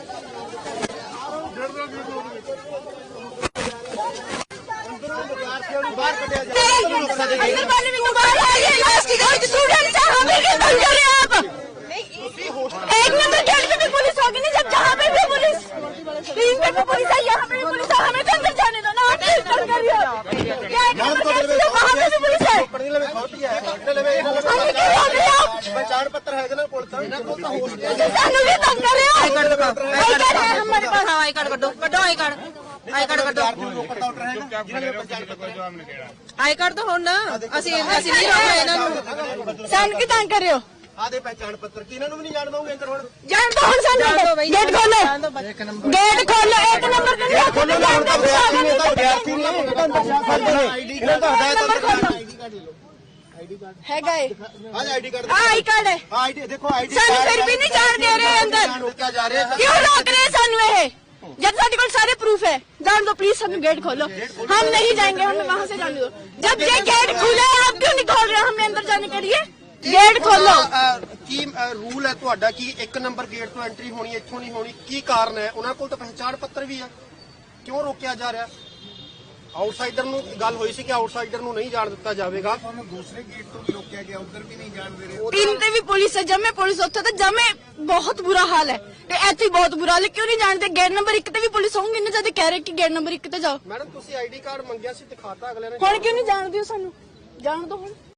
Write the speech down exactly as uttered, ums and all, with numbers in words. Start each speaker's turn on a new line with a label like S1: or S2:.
S1: एक number gate पे भी पुलिस होगी नहीं, जब जहाँ पे भी पुलिस तीन पे भी पुलिस है, यहाँ पे भी पुलिस है, हमें तो अंदर जाने दो ना। आप कर रही हो क्या? एक नंबर गेट पे वहाँ पे भी पुलिस है,
S2: पहचान पत्र है ना पुलिस
S1: भी तंग कर रहे हो।
S3: हमारे पास आई कार्ड कटो कटो आई कार्ड आई कार्ड कटो आई कार्ड तो होना ਅਸੀਂ ਅਸੀਂ ਨਹੀਂ ਰੋਕਣਾ ਇਹਨਾਂ ਨੂੰ।
S1: ਸਾਨੂੰ ਕੀ ਤੰਗ ਕਰ ਰਹੇ ਹੋ?
S2: ਆਦੇ ਪਹਿਚਾਨ ਪੱਤਰ ਕੀ ਇਹਨਾਂ ਨੂੰ ਵੀ ਨਹੀਂ ਜਾਣ ਦਊਂਗੇ ਅੰਦਰ ਹੁਣ
S1: ਜਾਣ ਦੋ ਹੁਣ ਸਾਨੂੰ ਗੇਟ ਖੋਲੋ ਗੇਟ ਖੋਲੋ ਇੱਕ ਨੰਬਰ ਤੇ ਨਹੀਂ ਖੋਲੋ ਜਾਣ ਦੋ
S2: ਵਿਦਿਆਰਥੀ ਨੇ ਇਹਨਾਂ ਦਾ ਹਦਾਇਤ
S1: ਹੈਗਾ ਏ
S2: ਹਾਂ ਆਈਡੀ ਕਾਰਡ
S1: ਆਈ ਕਾਰਡ ਹੈ
S2: ਆਈਡੀ ਦੇਖੋ ਆਈਡੀ
S1: ਸਾਨੂੰ ਫਿਰ ਵੀ ਨਹੀਂ ਜਾਣ ਦੇ ਰਹੇ ਅੰਦਰ
S2: ਰੋਕਿਆ ਜਾ ਰਿਹਾ
S1: क्यों रोक रहे हैं सानू ये? जब सारे को सारे प्रूफ है, जान दो प्लीज, हम गेट खोलो, हम नहीं जाएंगे, हमें वहाँ से जाने दो। जब ये गेट खुला है आप क्यों नहीं खोल रहे? हमें अंदर जाने के लिए गेट खोलो।
S2: ਕੀ ਰੂਲ ਹੈ ਤੁਹਾਡਾ ਕਿ ਇੱਕ ਨੰਬਰ ਗੇਟ ਤੋਂ ਐਂਟਰੀ ਹੋਣੀ ਇੱਥੋਂ ਨਹੀਂ ਹੋਣੀ? ਕੀ ਕਾਰਨ ਹੈ? ਉਹਨਾਂ ਕੋਲ ਤਾਂ ਪਹਿਚਾਣ ਪੱਤਰ ਵੀ ਹੈ, ਕਿਉਂ ਰੋਕਿਆ ਜਾ ਰਿਹਾ? ਆਊਟਸਾਈਡਰ ਨੂੰ ਗੱਲ ਹੋਈ ਸੀ ਕਿ ਆਊਟਸਾਈਡਰ ਨੂੰ ਨਹੀਂ ਜਾਣ ਦਿੱਤਾ ਜਾਵੇਗਾ। ਤੁਹਾਨੂੰ ਦੂਸਰੇ ਗੇਟ ਤੋਂ ਵੀ ਰੋਕਿਆ ਗਿਆ, ਉੱਧਰ ਵੀ ਨਹੀਂ ਜਾਣ ਦੇ ਰਹੇ।
S1: तीन पे भी पुलिस है, जब मैं पुलिस उत्थे तो जब मैं बहुत बुरा हाल है, ऐसे बहुत बुरा हाल है, क्यों नहीं जानते? गेट नंबर एक ते भी पुलिस होंगी ना, जब कह रहे कि गेट नंबर एक ते जाओ।
S2: ਮੈਡਮ ਤੁਸੀਂ ਆਈਡੀ ਕਾਰਡ ਮੰਗਿਆ ਸੀ, ਦਿਖਾਤਾ ਅਗਲੇ ਨੇ।
S1: ਹੁਣ क्यों नहीं जानते हो? सानू जान दो।